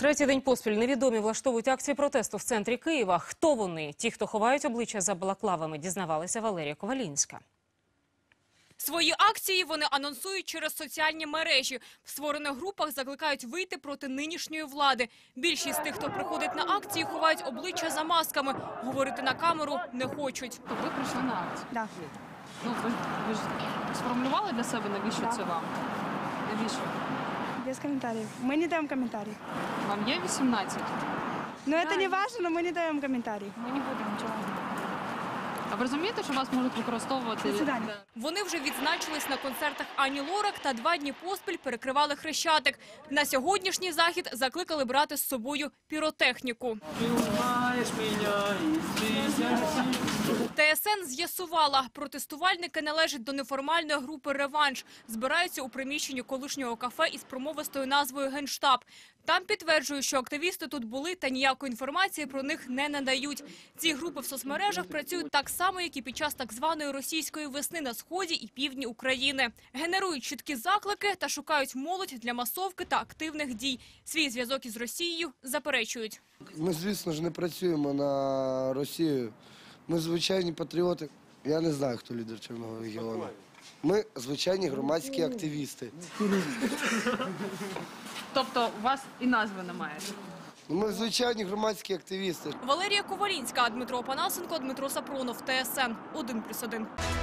Третій день поспіль невідомі влаштовують акції протесту в центрі Києва. Хто вони? Ті, хто ховають обличчя за балаклавами, дізнавалася Валерія Ковалінська. Свої акції вони анонсують через соціальні мережі. В створених групах закликають вийти проти нинішньої влади. Більшість тих, хто приходить на акції, ховають обличчя за масками. Говорити на камеру не хочуть. Ви прийшли на акцію? Да. Ну, ви ж сформулювали для себе, навіщо це вам? Навіщо? Без комментариев. Мы не даем комментарий. Вам є 18? Но это не важно, но мы не даем комментарий. Ми не будемо нічого. А ви розумієте, що вас можуть використовувати? До свидання. Вони вже відзначились на концертах Ані Лорак та 2 дні поспіль перекривали Хрещатик. На сьогоднішній захід закликали брати з собою піротехніку. ТСН з'ясувала, протестувальники належать до неформальної групи «Реванш». Збираються у приміщенні колишнього кафе із промовистою назвою «Генштаб». Там підтверджують, що активісти тут були та ніякої інформації про них не надають. Ці групи в соцмережах працюють так само, як і під час так званої російської весни на сході і півдні України. Генерують чіткі заклики та шукають молодь для масовки та активних дій. Свій зв'язок із Росією заперечують. Ми, звісно ж, не працюємо на Росію. Ми звичайні патріоти. Я не знаю, хто лідер Чорного легіону. Ми звичайні громадські активісти. Тобто у вас і назви немає? Ми звичайні громадські активісти. Валерія Ковалінська, Дмитро Панасенко, Дмитро Сапронов, ТСН 1+1.